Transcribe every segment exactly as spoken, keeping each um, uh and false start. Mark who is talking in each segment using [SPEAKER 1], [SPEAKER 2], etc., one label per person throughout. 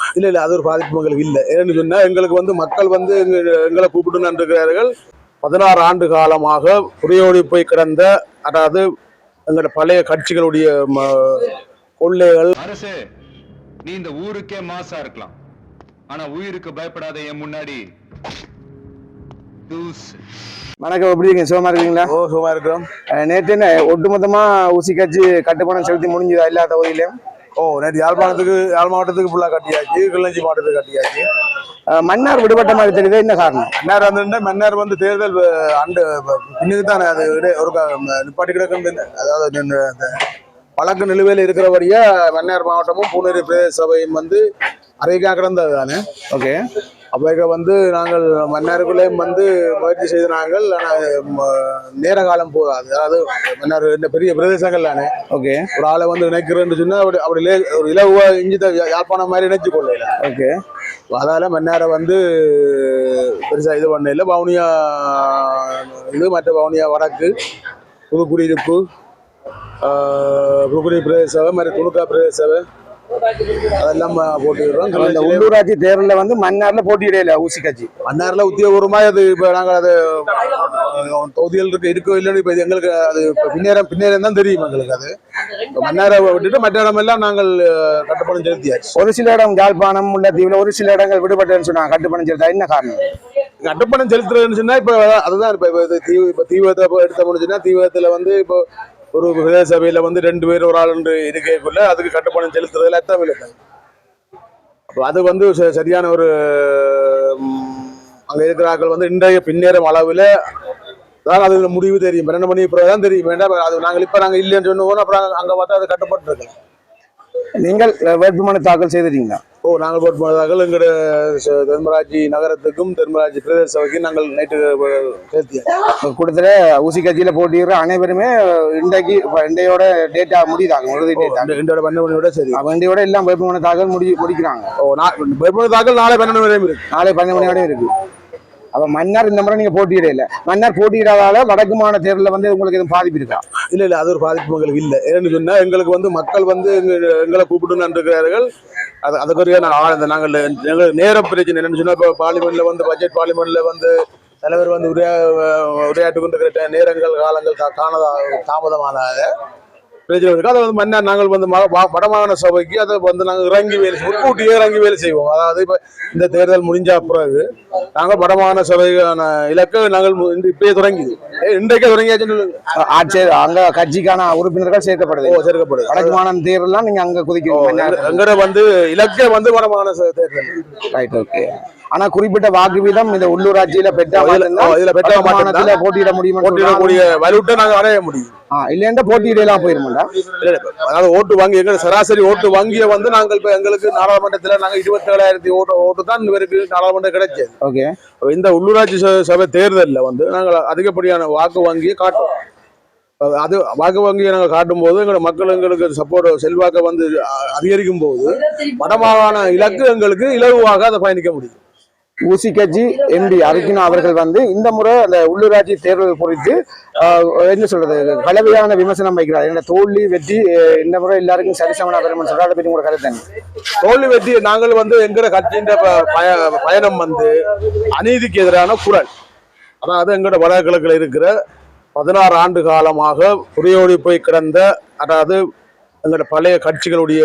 [SPEAKER 1] இல்ல இல்ல அது ஒரு பாதிப்பு எங்களுக்கு இல்லை. ஏன்னு சொன்னா எங்களுக்கு வந்து மக்கள் வந்து எங்களை கூப்பிட்டு இருக்கிறார்கள். பதினாறு ஆண்டு காலமாக புரியோடி போய் கிடந்த, அதாவது எங்களோட பழைய கட்சிகளுடைய கொள்ளைகள்.
[SPEAKER 2] அரசே, நீ இந்த ஊருக்கே மாசா இருக்கலாம், ஆனா உயிருக்கு பயப்படாத என் முன்னாடி.
[SPEAKER 3] வணக்கம், எப்படி இருக்கீங்க? சுகமா இருக்கீங்களா?
[SPEAKER 1] ஓ, சுகமா இருக்கிறோம்.
[SPEAKER 3] நேற்று என்ன ஒட்டுமொத்தமா ஊசி கட்சி கட்டுப்பணம் செலுத்தி முடிஞ்சதா எல்லா தொகுதியிலையும்?
[SPEAKER 1] ஓ, நேற்று யாழ்ப்பாணத்துக்கு யாழ் மாவட்டத்துக்கு ஃபுல்லாக கட்டியாச்சு, கிளிநொச்சி மாவட்டத்துக்கு கட்டியாச்சு.
[SPEAKER 3] மன்னார் விடுபட்ட மாதிரி தெரியுது, என்ன காரணம்?
[SPEAKER 1] மன்னார் வந்து மன்னார் வந்து தேர்தல் அண்டு பின்னுக்கு தானே அது ஒரு நிப்பாட்டி கிடக்கு. அதாவது வழக்கு நிலுவையில் இருக்கிறபடியா மன்னார் மாவட்டமும் பூனேரி பிரதேச சபையும் வந்து அறைக்காக கிடந்தது தானே.
[SPEAKER 3] ஓகே,
[SPEAKER 1] அப்போ வந்து நாங்கள் மன்னாருக்குள்ளேயும் வந்து முயற்சி செய்து நாங்கள், ஆனால் நேர காலம் போதாது. அதாவது மன்னார் இந்த பெரிய பிரதேசங்கள் தானே.
[SPEAKER 3] ஓகே, ஒரு
[SPEAKER 1] ஆளை வந்து நினைக்கிறேன்னு சொன்னால் அப்படி அப்படி ஒரு இலவா இஞ்சி யாழ்ப்பாணம் மாதிரி நினைச்சு கொள்ளல.
[SPEAKER 3] ஓகே,
[SPEAKER 1] அதால மன்னாரை வந்து பெருசாக இது பண்ண இல்லை. வவுனியா இது மற்ற வவுனியா வடக்கு புதுக்குடியிருப்பு புதுக்குடி பிரதேச சபை மாதிரி துணுக்கா பிரதேச சபை அதெல்லாம் போட்டிடுறோம்.
[SPEAKER 3] இந்த உள்ளூராட்சி தேர்தலில் வந்து மன்னார்ல போட்டியிடையில ஊசி கட்சி
[SPEAKER 1] மன்னார்ல உத்தியோகபூர்வமாக அது இப்போ நாங்கள் அது தொகுதிகள் இருக்கு இருக்கோ இல்லைன்னு இப்போ எங்களுக்கு அது பின்னேறம் பின்னேறம் தான் தெரியும் எங்களுக்கு. அது மன்னாரை விட்டுட்டு மற்ற இடமெல்லாம் நாங்கள் கட்டுப்பணம் செலுத்தியாச்சு.
[SPEAKER 3] ஒரு சில இடம் யாழ்ப்பாணம் உள்ள தீவுல ஒரு சில இடங்கள் விடுபட்டேன்னு சொன்னாங்க. கட்டுப்பணம் செலுத்தா என்ன காரணம்?
[SPEAKER 1] கட்டுப்பணம் செலுத்துறதுன்னு சொன்னா இப்போ அதுதான் இப்போ தீவு இப்போ தீவிரத்தை எடுத்த முடிஞ்சுன்னா தீவிரத்தில் வந்து இப்போ ஒரு பிரதேச சபையில வந்து ரெண்டு பேர் ஒரு ஆள் இருக்கக்குள்ள அதுக்கு கட்டுப்பணம் செலுத்துறதுல அர்த்தம் இல்லை. அப்போ அது வந்து சரியான ஒரு அங்க இருக்கிறார்கள் வந்து இன்றைய பின்னேறும் அளவில் தான் அது முடிவு தெரியும். பன்னெண்டு மணி பிறகு தான் தெரியும். வேண்டாம் அது நாங்கள் இப்போ நாங்கள் இல்லைன்னு சொன்னோம். அப்புறம் அங்கே பார்த்தா அது கட்டுப்பட்டு இருக்கலாம்.
[SPEAKER 3] நீங்கள் வேட்புமனு தாக்கல் செய்திருக்கீங்களா?
[SPEAKER 1] ஓ, நாங்கள் வேட்புமனு தாக்கல் எங்களுடைய தென்மராட்சி நகரத்துக்கும் தென்மராட்சி பிரதேச சபைக்கும் நாங்கள் நைட்டு சேர்த்தியோம்.
[SPEAKER 3] கூட்டத்தில் ஊசி கட்சியில் போட்டிடுற அனைவருமே இன்றைக்கு இன்றையோட டேட்டா முடியுதாங்க.
[SPEAKER 1] இன்றையோட பன்னெண்டு மணியோட சரி,
[SPEAKER 3] இன்றையோட எல்லாம் வேட்புமனு தாக்கல் முடி முடிக்கிறாங்க.
[SPEAKER 1] ஓ, வேட்புமனு தாக்கல் நாளை பன்னெண்டு மணி வரையும் இருக்கு.
[SPEAKER 3] நாளை பன்னெண்டு மணியோட இருக்கு. அப்ப மன்னார் இந்த முறை நீங்க போட்டியிடல. மன்னார் போட்டியிடாதால வடக்கு மாநில தேர்தலில் வந்து உங்களுக்கு எதுவும் பாதிப்பு இருக்கா?
[SPEAKER 1] இல்ல இல்ல அது ஒரு பாதிப்பு எங்களுக்கு இல்லை. ஏன்னு சொன்னா எங்களுக்கு வந்து மக்கள் வந்து எங்களை கூப்பிட்டு இருக்கிறார்கள். அது அதுக்குரிய நாங்கள் எங்களுக்கு நேர பிரச்சனை என்னன்னு சொன்னா இப்போ பார்லிமெண்ட்ல வந்து பட்ஜெட் பார்லிமெண்ட்ல வந்து தலைவர் வந்து உரையா உரையாட்டு கொண்டிருக்கிற நேரங்கள் காலங்கள் காணதா தாமதமானாத பிரச்சனை இருக்கு. அதை வந்து மன்னார் நாங்கள் வந்து வடமாகாண சபைக்கு அதை வந்து நாங்கள் இறங்கி வேலை முன்கூட்டியே இறங்கி வேலை செய்வோம். அதாவது இப்போ இந்த தேர்தல் முடிஞ்ச பிறகு நாங்கள் வடமாகாண சபைக்கான இலக்கை நாங்கள் இப்பயே தொடங்கி இன்றைக்கே தொடங்கியாச்சுன்னு
[SPEAKER 3] ஆட்சியர் அங்க கட்சிக்கான உறுப்பினர்கள் சேர்க்கப்படுது.
[SPEAKER 1] ஓ, சேர்க்கப்படுது.
[SPEAKER 3] வடக்கு மாநில தேர்தலாம் நீங்க அங்க குதிக்க
[SPEAKER 1] எங்கட வந்து இலக்கே வந்து வடமாகாண தேர்தல்.
[SPEAKER 3] Right, okay. ஆனா குறிப்பிட்ட வாக்கு வீதம் இந்த உள்ளூராட்சியில பெற்றா
[SPEAKER 1] இதுல பெற்ற மாநிலத்துல
[SPEAKER 3] போட்டியிட முடியும்,
[SPEAKER 1] போட்டியிடக்கூடிய வலுவிட்ட நாங்கள் அடைய முடியும்.
[SPEAKER 3] இல்லையா போட்டியிடலாம் போயிருமாண்டா.
[SPEAKER 1] அதாவது ஓட்டு வங்கி எங்க சராசரி ஓட்டு வங்கியை வந்து நாங்கள் இப்ப எங்களுக்கு நாடாளுமன்றத்துல நாங்க இருபத்தி ஏழாயிரத்தி ஓட்டு ஓட்டு தான் இவருக்கு நாடாளுமன்றம் கிடைச்சது.
[SPEAKER 3] ஓகே,
[SPEAKER 1] இந்த உள்ளூராட்சி சபை தேர்தலில் வந்து நாங்கள் அதிகப்படியான வாக்கு வங்கியை காட்டுவோம். அது வாக்கு வங்கியை நாங்கள் காட்டும் போது எங்களோட மக்கள் எங்களுக்கு சப்போர்ட் செல்வாக்கை வந்து அதிகரிக்கும் போது வடமாகாண இலக்கு எங்களுக்கு இலகுவாக அதை பயணிக்க முடியும்.
[SPEAKER 3] ஊசி கட்சி எம்பி அர்ஜுனா அவர்கள் வந்து இந்த முறை அந்த உள்ளூராட்சி தேர்தல் குறித்து என்ன சொல்றது கலவையான விமர்சனம் வைக்கிறார். என்ன தோல்வி வெற்றி இந்த முறை எல்லாருக்கும் சரிசமனா பெருமன் சொல்றாரு. பற்றி உங்களோட கருத்து என்ன?
[SPEAKER 1] தோல்வி வெற்றி நாங்கள் வந்து எங்களோட கட்சியின் பயணம் வந்து அநீதிக்கு எதிரான குரல். அதாவது எங்களோட வடகிழக்கில் இருக்கிற பதினாறு ஆண்டு காலமாக புரியோடி போய் கிடந்த, அதாவது எங்களோட பழைய கட்சிகளுடைய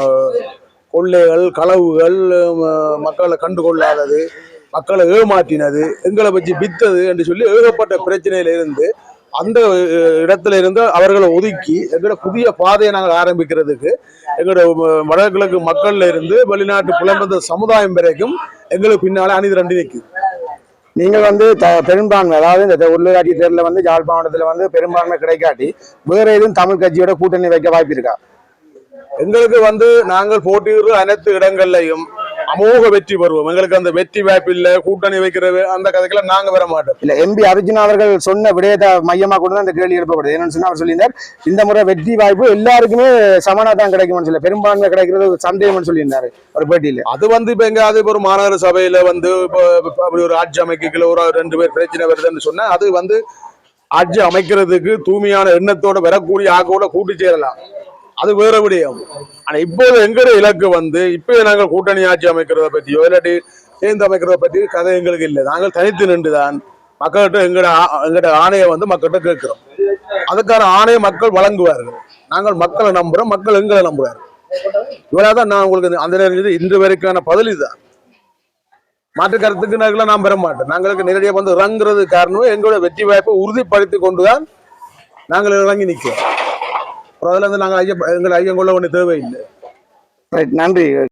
[SPEAKER 1] கொள்ளைகள் களவுகள் மக்களை கண்டுகொள்ளாதது, மக்களை ஏமாற்றினது, எங்களை வச்சு வித்தது என்று சொல்லி ஏகப்பட்ட பிரச்சனையில இருந்து அந்த இடத்துல இருந்து அவர்களை ஒதுக்கி எங்களோட புதிய பாதையை நாங்கள் ஆரம்பிக்கிறதுக்கு எங்களோட வடகிழக்கு மக்கள்ல இருந்து வெளிநாட்டு புலம்பெயர்ந்த சமுதாயம் வரைக்கும் எங்களுக்கு பின்னாலே அணிதி ரெண்டு நிற்குது.
[SPEAKER 3] நீங்கள் வந்து பெரும்பான்மை, அதாவது இந்த உள்ளூராட்சி தேர்தலில் வந்து யாழ்ப்பாணத்துல வந்து பெரும்பான்மை கிடைக்காட்டி வேற எதுவும் தமிழ் கட்சியோட கூட்டணி வைக்க வாய்ப்பு இருக்கா?
[SPEAKER 1] எங்களுக்கு வந்து நாங்கள் போட்டியிடுற அனைத்து இடங்கள்லையும் அமோக வெற்றி பெறுவோம். எங்களுக்கு அந்த வெற்றி வாய்ப்பு இல்லை, கூட்டணி வைக்கிறது அந்த கதைக்கெல்லாம் நாங்க வர மாட்டோம்.
[SPEAKER 3] இல்ல, எம்பி அர்ஜுனா அவர்கள் சொன்ன விடயத்தை மையமா கொண்டு தான் இந்த கேள்வி எழுப்பப்படுது. என்னன்னு சொன்னா அவர் சொல்லியிருந்தார் இந்த முறை வெற்றி வாய்ப்பு எல்லாருக்குமே சமனா தான் கிடைக்கும்னு சொல்லி, பெரும்பான்மை கிடைக்கிறது சந்தேகம்னு சொல்லியிருந்தாரு ஒரு பேட்டியில.
[SPEAKER 1] அது வந்து இப்ப எங்காவது இப்போ ஒரு மாநகர சபையில வந்து இப்போ அப்படி ஒரு ஆட்சி அமைக்கல ஒரு ரெண்டு பேர் பிரச்சனை வருதுன்னு சொன்னா அது வந்து ஆட்சி அமைக்கிறதுக்கு தூய்மையான எண்ணத்தோட வரக்கூடிய ஆக்கோட கூட்டி சேரலாம். அது வேற விடயம். ஆனா இப்போது எங்கட இலக்கு வந்து இப்ப நாங்கள் கூட்டணி ஆட்சி அமைக்கிறத பற்றியோ இல்லாட்டி சேர்ந்து அமைக்கிறத பற்றி கதை எங்களுக்கு இல்லை. நாங்கள் தனித்து நின்றுதான் மக்கள்கிட்ட எங்கட ஆ- எங்கட ஆணையை வந்து மக்கள்கிட்ட கேட்கிறோம். அதுக்கான ஆணையை மக்கள் வழங்குவார்கள். நாங்கள் மக்களை நம்புறோம், மக்கள் எங்களை நம்புவார்கள். இவ்வளவுதான் நான் உங்களுக்கு அந்த நேரம் இன்று வரைக்கான பதில் இதுதான். மாற்று கருத்துக்கு நாங்கள் நான் பெற மாட்டோம். நாங்களுக்கு நேரடியாக வந்து இறங்குறது காரணமே எங்களோட வெற்றி வாய்ப்பை உறுதிப்படுத்தி கொண்டுதான் நாங்கள் இறங்கி நிற்கிறோம். அப்புறம் அதுல இருந்து நாங்கள் ஐயா எங்களை ஐயம் கொள்ள வேண்டிய தேவையில்லை.
[SPEAKER 3] ரைட், நன்றி.